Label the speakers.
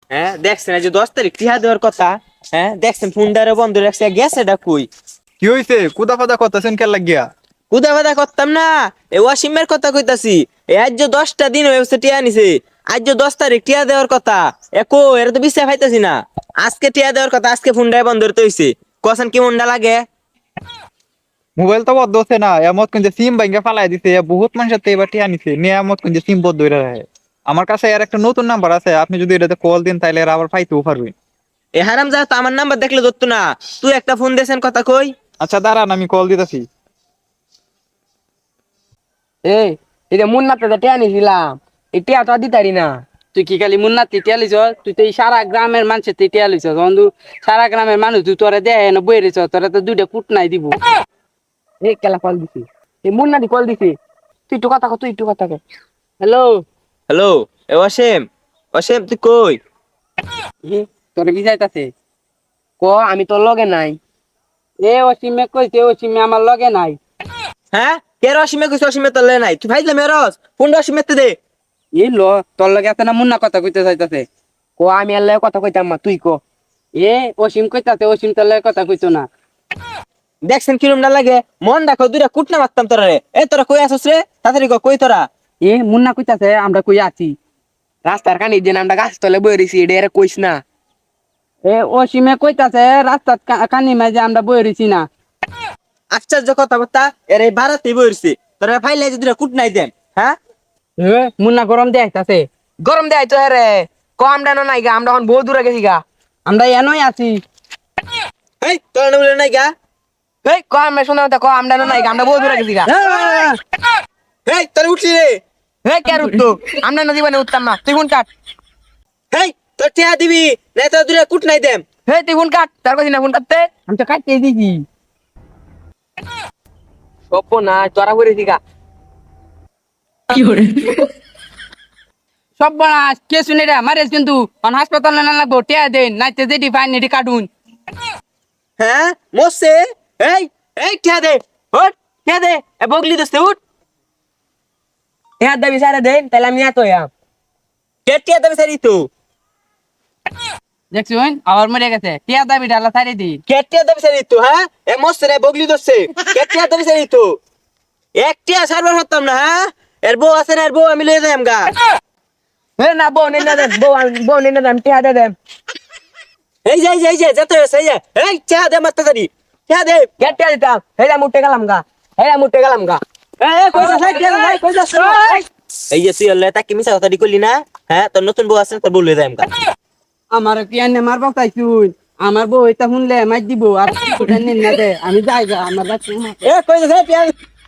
Speaker 1: হ্যাঁ দেখছেন এই যে 10 তারিখ টিহা দেওয়ার কথা। হ্যাঁ দেখছেন ফোনটারে বন্ধ রাখছে, গেছে এটা কই?
Speaker 2: কি হইছে? কুদা ফাদা করতেছেন কে লাগিয়া?
Speaker 1: কুদা বাদা করতাম না, এ ওয়াসিমের কথা কইতাছি। এ আজ যে 10টা দিন হয়েছে টিয়া নিছে, আজ যে 10 তারিখ টিয়া দেওয়ার কথা। এরা তো বিশ্বাস পাইতাছি না। আজকে টিয়া দেওয়ার কথা, আজকে ফোনটা বন্ধ করতে হইছে। কখন কি মনটা লাগে?
Speaker 2: মোবাইল তো বদ্ধ হচ্ছে না, এমত কিন্তু সিম ভাঙ্গা ফালাই দিছে। বহুত মানুষের তো এবার টিয়া নিছে, নিয়ে এমত কিন্তু সিম বদ্ধ হয়ে রাখে। আমার কাছে এর একটা নতুন নাম্বার আছে, আপনি যদি এটাতে কল দিন তাহলে এরা আবার পাইতেও পারবেন।
Speaker 1: এ হারাম যা তো আমার নাম্বার দেখলে ধরতো না। তুই একটা ফোন দিয়েছেন কথা কই।
Speaker 2: আচ্ছা দাঁড়ান, আমি কল দিতেছি।
Speaker 3: এই এটা মুন্নাতে টিয়া নিছিলাম, এই টিয়া তো দিতারি না। তুই কি খালি মুন্নাতে টিয়া লিছ? তুই তো এই সারা গ্রামের মানুষের টিয়া লিছ বন্ধু। সারা গ্রামের মানুষ তুই তোরা দেয় না বই রেছ, তোরা তো দুইটা কুট নাই দিব। এই কেলা কল দিছি, এই মুন্নাটি কল দিছি। তুই একটু কথা কর, তুই একটু কথা কর। হ্যালো।
Speaker 1: হ্যালো। এ ওয়াসিম, ওয়াসিম তুই কই?
Speaker 3: তোর বিজাইতাছে ক, আমি তোর লগে নাই। এ অসীমে কইছে অসীমে আমার লগে নাই।
Speaker 1: হ্যাঁ কে ওয়াসিমে কইছ? ওয়াসিমে তোলে নাই, তুই ভাইলে মেরস ফোনটা ওয়াসিমেতে দে।
Speaker 3: এই ল, তোর লগে আছে না মুন্না কথা কইতে চাইতাছে। ক আমি আর লগে কথা কইতাম না, তুই ক। এ অসীম কইতাছে অসীম তোর লগে কথা কইতো না।
Speaker 1: দেখছেন কিরম না লাগে? মন রাখো, দুইটা কুটনা মারতাম তোরা রে। এ তোরা কই আসছ রে? তাড়াতাড়ি কই তোরা?
Speaker 3: এ মুন্না কইতাছে আমরা কই আছি রাস্তার কানি দিন আমরা গাছ তলে বই রইছি, এটা এরা কইস না। এ অসীমে কইতাছে রাস্তার কানি মাঝে আমরা বই রইছি না।
Speaker 1: আশ্চর্য কথাবার্তা, এর এই ভাড়াতেই বইরছি। তোরা ফাইলে যদি কুট নাই দেন। হ্যাঁ
Speaker 3: মুন্না গরম দিয়ে আইতাছে। গরম দিয়ে আইতো রে। ক আমরা না নাই গা, আমরা এখন বহু দূরে গেছি গা। আমরা এনই আছি।
Speaker 1: এই তোরা নবলে নাই গা।
Speaker 3: এই ক আমরা শুনে ক আমরা না নাই গা, আমরা বহু দূরে গেছি গা।
Speaker 1: এই তোরা উঠলি রে।
Speaker 3: এই কে উঠতো? আমরা না জীবনে উঠতাম না, তুই কোন কাট।
Speaker 1: এই তোর টিয়া দিবি না, তোরা দুইটা কুট নাই দেন।
Speaker 3: এই তুই কোন কাট, তার কাছে না কোন কাটতে। আমি তো কাটতে দিছি। সপ্প না তোরা করেছি গা। সব বড় কে শুনে রে মারিস কিন্তু হাসপাতালে না লাগবো, টিয়া দেন নাইতে যেটি ফাইন এটি কাটুন।
Speaker 1: হ্যাঁ মরছে। এই এই টিয়া দে, উঠ টিয়া দে। এ বগলি দোস্তে উঠ।
Speaker 3: হ্যাঁ দাবি সারে দেন তাহলে আমি এত
Speaker 1: কে টিয়া দেবে সারি তো?
Speaker 3: দেখছুন আবার মরে গেছে, টিয়া দাবি ডালা সারি দি।
Speaker 1: কে টিয়া দেবে সারি তো? হ্যাঁ এ মরছে রে, বগলি দোস্তে। কে টিয়া দেবে সারি তো? এক টিয়া সারবার হতাম না। হ্যাঁ এর বউ আছে না, এর বউ আমি লয়ে যাইম গা।
Speaker 3: না বউ নেই না দেন, বউ নেই না দেন, টিয়া দে দেন।
Speaker 1: এই যে যেতে হয়েছে, এই যে এই টিয়া দে মারতে সারি। টিয়া দে।
Speaker 3: কে টিয়া দিতাম হেলা মুটে গেলাম গা, হেলা মুটে গেলাম গা।
Speaker 1: কই যাস? এই টিয়া নাই, কই যাস? এই যে তুই হলে তাকে মিছা কথা করলি না। হ্যাঁ তোর নতুন বউ আছে, তোর বউ লয়ে যাইম গা।
Speaker 3: আমার পিয়ানে মারবো চাইছুন, আমার বউ এটা শুনলে মার দিব। আর না দে আমি যাই গা আমার বাচ্চা।
Speaker 1: এ কই যাস? এই টিয়া